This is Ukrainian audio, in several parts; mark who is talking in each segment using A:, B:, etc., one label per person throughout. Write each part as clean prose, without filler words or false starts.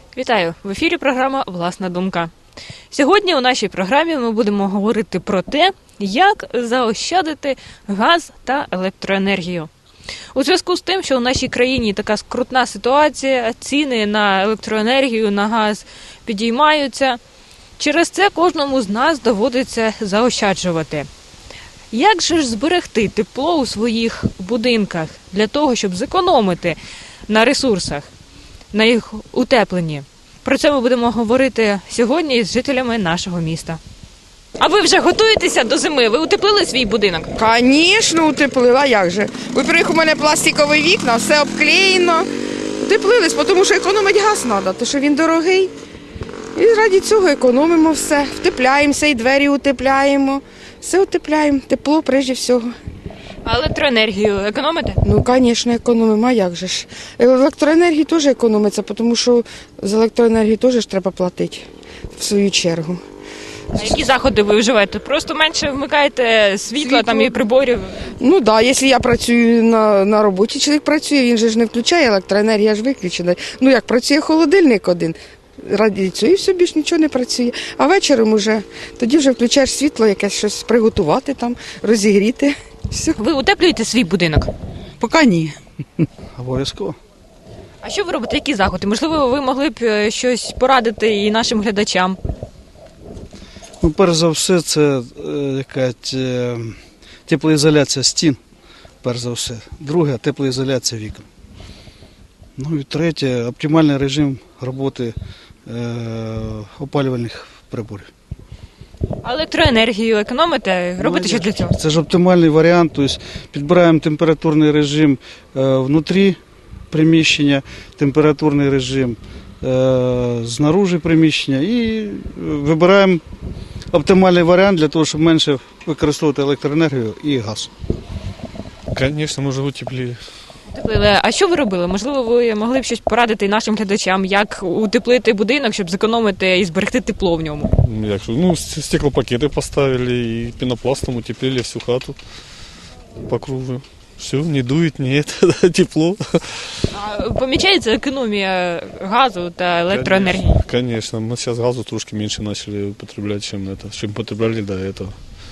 A: Вітаю! В ефірі програма «Власна думка». Сьогодні у нашій програмі ми будемо говорити про те, як заощадити газ та електроенергію. У зв'язку з тим, що у нашій країні така скрутна ситуація, ціни на електроенергію, на газ підіймаються, через це кожному з нас доводиться заощаджувати. Як же ж зберегти тепло у своїх будинках для того, щоб зекономити на ресурсах, на їх утепленні? Про це ми будемо говорити сьогодні з жителями нашого міста. А ви вже готуєтеся до зими? Ви утеплили свій будинок?
B: Звісно, утеплила, як же. Во-первых, у мене пластикові вікна, все обклеєно. Утеплились, тому що економити газ треба, тому що він дорогий. І раді цього економимо все. Втепляємося, і двері утепляємо. Все утепляємо, тепло прежде всього.
A: А електроенергію економите?
B: Ну, звісно, економимо, а як же ж. Електроенергії теж економиться, тому що за електроенергію теж ж треба платити в свою чергу.
A: А які заходи ви вживаєте? Просто менше вмикаєте світла там і приборів?
B: Ну так, якщо я працюю на роботі, чоловік працює, він же ж не включає, електроенергія ж виключена. Ну як працює холодильник один, раді цього і все, більш нічого не працює. А вечором уже, тоді вже включаєш світло, якесь щось приготувати там, розігріти. Все.
A: Ви утеплюєте свій будинок?
C: Поки ні.
D: Обов'язково.
A: А що ви робите? Які заходи? Можливо, ви могли б щось порадити і нашим глядачам?
D: Ну, перш за все, це якась теплоізоляція стін, перш за все. Друге, теплоізоляція вікон. Ну і третє, оптимальний режим роботи опалювальних приборів.
A: А електроенергію економите? Робите щось для цього?
D: Це ж оптимальний варіант, тобто підбираємо температурний режим внутрі приміщення, температурний режим знаружи приміщення і вибираємо оптимальний варіант для того, щоб менше використовувати електроенергію і газ.
E: Конечно, мы же утеплили.
A: Утеплили. А що ви робили? Можливо, ви могли б щось порадити і нашим глядачам, як утеплити будинок, щоб зекономити і зберегти тепло в ньому?
E: Ну, стеклопакеты поставили и пенопластом утеплили всю хату по кругу. Все, не дует, не это, тепло.
A: А помічається економія газу та електроенергії?
E: Конечно, мы сейчас газу трошки меньше начали употреблять, чем потребляли до этого.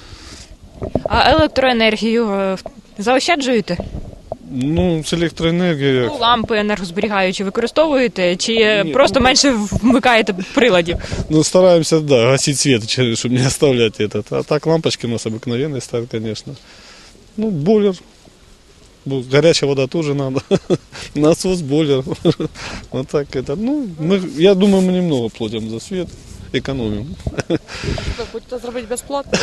A: А електроенергію заощаджуєте?
E: Ну, с электроэнергией...
A: Ну, лампи енергозберігаючі використовуєте чи
E: Ні,
A: просто менше вмикаєте приладів?
E: Ну, стараемся, да, гасить свет, чтобы не оставлять этот. А так лампочки у нас обыкновенные стоят, конечно. Ну, бойлер. Ну, горячая вода тоже надо. Насос, бойлер. Вот так это. Ну, я думаю, мы немного платим за свет, экономим.
B: Хочете зробити безплатно?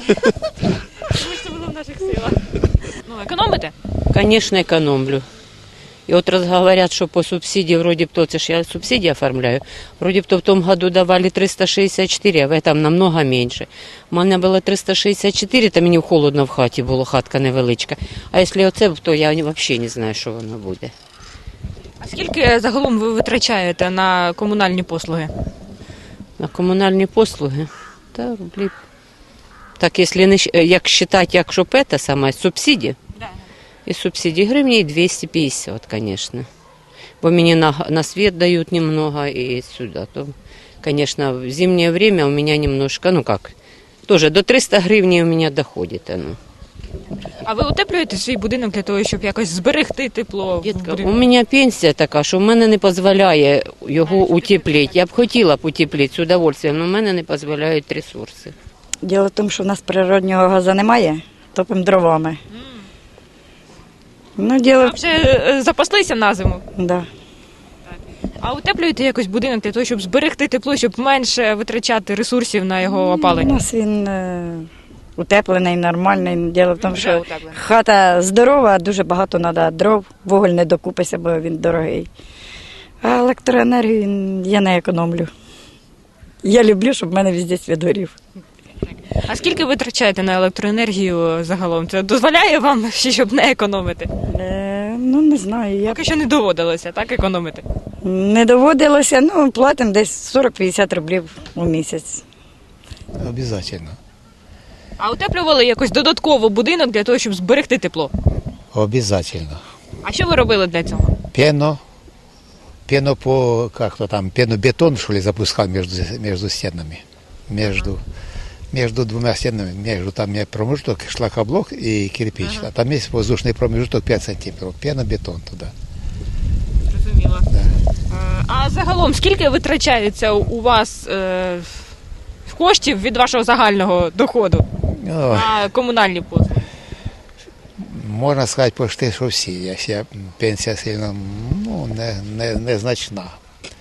A: Це було в наших силах. Ну, економите?
F: Конечно, экономлю. И вот раз говорят, что по субсидии вроде бы, это ж я субсидии оформляю, вроде бы в том году давали 364, а в этом намного меньше. У мене було 364, то мені холодно в хаті було, хатка невеличка. А якщо оце, то я взагалі не знаю, що воно буде.
A: А скільки загалом ви витрачаєте на комунальні послуги?
F: На комунальні послуги? Та рублів. Так, якщо не, як вважати, як щоб це саме, субсидії? И субсидий гривней 250, конечно. Бо мне на свет дают немного и сюда. То, конечно, в зимнее время у меня немножко, ну как, тоже до 300 гривней у меня доходит оно.
A: А ви утеплюєте свій будинок для того, щоб якось зберегти тепло?
F: Дітка, у мене пенсія така, що в мене не дозволяє його утеплити. Я б хотіла б утеплити з удовольствием, але в мене не дозволяють ресурси.
G: Діло в тому, що в нас природнього газу немає, топимо дровами. Ну, діло...
A: А вже запаслися на зиму?
G: Да.
A: А утеплюєте якось будинок для того, щоб зберегти тепло, щоб менше витрачати ресурсів на його
G: У
A: опалення?
G: нас він утеплений, нормальний. Діло в тому,
A: Вже
G: що
A: утеплений.
G: хата здорова, дуже багато треба дров, вуголь не докупиться, бо він дорогий. А електроенергію я не економлю. Я люблю, щоб в мене везде світ горів.
A: А скільки ви витрачаєте на електроенергію загалом? Це дозволяє вам, щоб не економити?
G: Ну, не знаю. Я
A: Поки що не доводилося, так, економити?
G: не доводилося, ну, платимо десь 40-50 рублів у місяць.
C: Обязательно.
A: А утеплювали якось додатково будинок для того, щоб зберегти тепло?
C: Обязательно.
A: А що ви робили для цього?
C: Пено, пенобетон, что ли, запускал между стенами. Между двумя стенами, там есть промежуток, шлакоблок и кирпич. А там есть воздушный промежуток 5 сантиметров. Пенобетон туда.
A: Зрозуміло. А загалом, скільки витрачається у вас коштів від вашого загального доходу на комунальні послуги?
C: Можна сказати, почти, що всі. Якщо пенсія сильно незначна.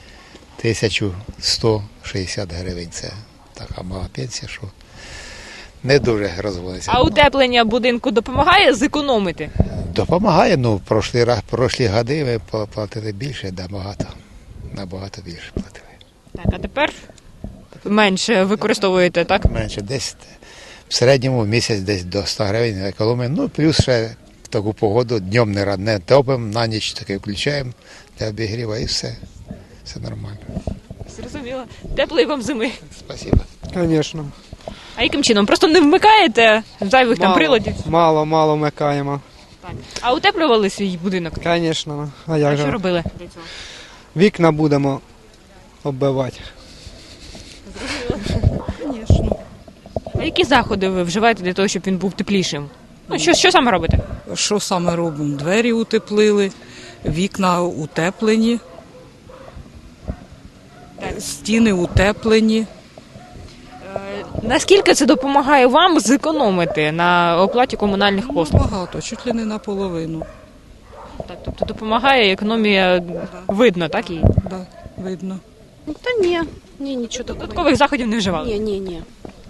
C: 1160 гривень це така мала пенсія, що не дуже розводиться.
A: А утеплення будинку допомагає зекономити?
C: Допомагає, прошлі роки ми платили більше, набагато більше платили.
A: Так, а тепер менше використовуєте, так?
C: Менше, десь в середньому в місяць десь до 100 гривень економимо. Плюс ще в таку погоду днем не топимо, на ніч таки включаємо для обігріву і все нормально.
A: Зрозуміло. Теплої вам зими.
C: Спасибо.
H: Звісно.
A: А яким чином? Просто не вмикаєте зайвих там приладів?
H: Мало вмикаємо.
A: Так. А утеплювали свій будинок?
H: Звісно. А
A: А
H: як
A: що
H: же?
A: робили для цього?
H: Вікна будемо оббивати.
A: А які заходи ви вживаєте для того, щоб він був теплішим? Ну, що саме робите?
I: Що саме робимо? Двері утеплили, вікна утеплені, стіни утеплені.
A: Наскільки це допомагає вам зекономити на оплаті комунальних послуг?
I: Багато, чуть ли не наполовину.
A: Так, тобто допомагає, економія видно, так? І
I: Да, видно.
J: Та ні, нічого такого.
A: додаткових заходів не вживали?
J: Ні.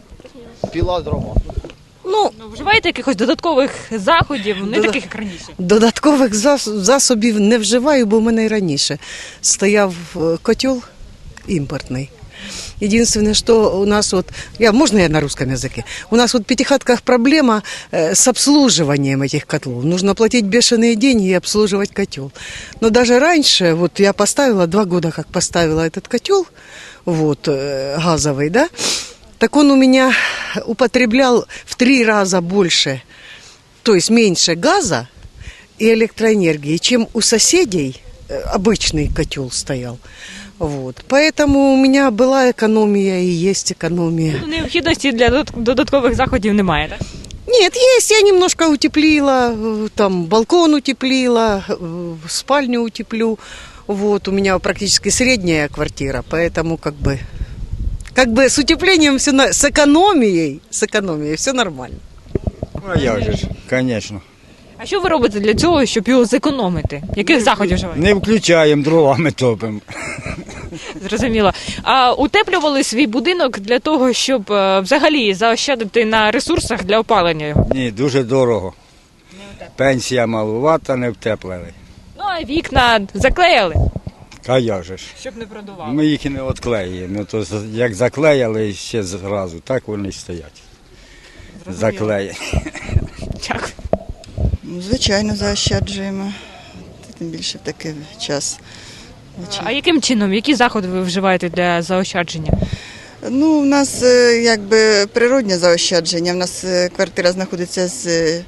A: Ну, вживаєте якихось додаткових заходів, не таких, як раніше?
K: Додаткових засобів не вживаю, бо в мене і раніше стояв котел імпортний. Единственное, что у нас можно я на русском языке? У нас в пятихатках проблема с обслуживанием этих котлов. Нужно платить бешеные деньги и обслуживать котел. Но даже раньше, я поставила, 2 года как поставила этот котел, газовый, да, так он у меня употреблял в 3 раза больше, то есть меньше газа и электроэнергии, чем у соседей обычный котел стоял. Поэтому у меня была экономия и есть экономия.
A: Необхідності для додаткових заходів немає, так?
K: Нет, есть, я немножко утеплила, там балкон утеплила, спальню утеплю. У меня практически средняя квартира, поэтому как бы с утеплением все, с экономией все нормально.
L: А як же ж, звісно.
A: А що ви робите для цього, щоб його зекономити? Яких заходів вживаєте?
L: Не включаємо, дровами топимо.
A: Зрозуміло. А утеплювали свій будинок для того, щоб взагалі заощадити на ресурсах для опалення його?
L: Ні, дуже дорого. Пенсія малувата, не втеплили.
A: Ну, а вікна заклеїли,
L: А як же ж?
A: щоб не продувало.
L: Ми їх і не відклеїмо. То як заклеїли ще зразу, так вони й стоять. Заклеєні.
A: Дякую.
M: Звичайно, заощаджуємо. Тим більше в такий час.
A: А яким чином, які заходи ви вживаєте для заощадження?
M: У нас природне заощадження. У нас квартира знаходиться з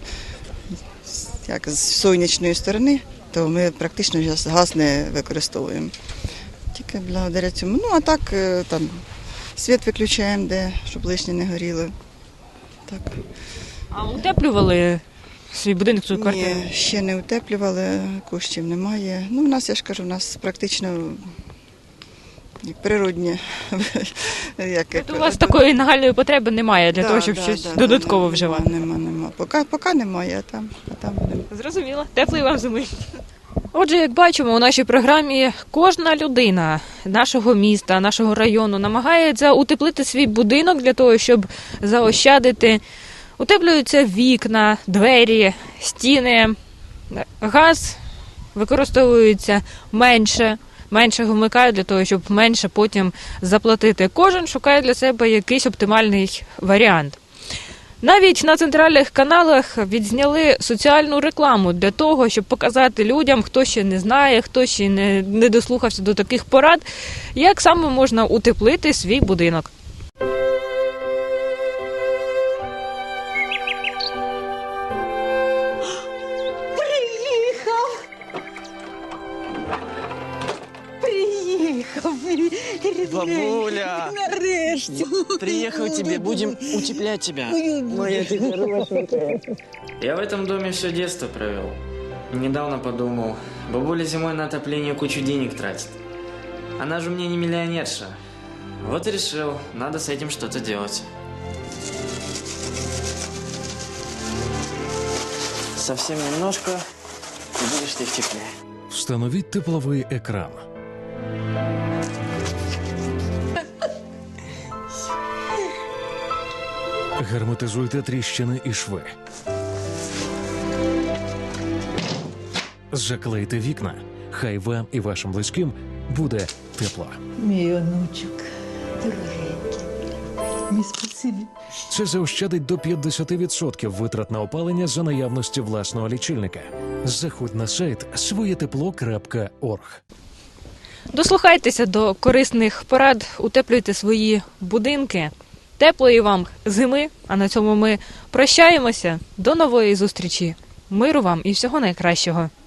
M: сонячної сторони, то ми практично газ не використовуємо. Тільки благодаря цьому. А так там світ виключаємо, щоб лишнє не горіло. Так.
A: А утеплювали свій будинок, свою квартиру?
M: Ні, ще не утеплювали, коштів немає. У нас, я ж кажу, у нас практично природні.
A: Тобто у вас такої нагальної потреби немає для того, щоб щось додатково вживати?
M: Нема. Поки немає, а там будемо.
A: Зрозуміло. Теплої вам зими. Отже, як бачимо, у нашій програмі кожна людина нашого міста, нашого району намагається утеплити свій будинок для того, щоб заощадити. Утеплюються вікна, двері, стіни, газ використовується менше вмикають для того, щоб менше потім заплатити. Кожен шукає для себе якийсь оптимальний варіант. Навіть на центральних каналах відзняли соціальну рекламу для того, щоб показати людям, хто ще не знає, хто ще не дослухався до таких порад, як саме можна утеплити свій будинок.
N: Бабуля!
O: Нарешті.
N: Приехал тебе, будем утеплять тебя.
O: Моя ты хорошенькая.
N: Я в этом доме все детство провел. Недавно подумал, бабуля зимой на отопление кучу денег тратит. Она же мне не миллионерша. Вот и решил, надо с этим что-то делать. Совсем немножко, и будешь ты в тепле.
P: Встановіть тепловий екран. Герметизуйте тріщини і шви. Заклейте вікна. Хай вам і вашим близьким буде тепло.
O: Мій онучок, дорогенький. Мій спасибі.
P: Це заощадить до 50% витрат на опалення за наявності власного лічильника. Заходь на сайт своєтепло.орг.
A: Дослухайтеся до корисних порад, утеплюйте свої будинки. Теплої вам зими, а на цьому ми прощаємося. До нової зустрічі. Миру вам і всього найкращого.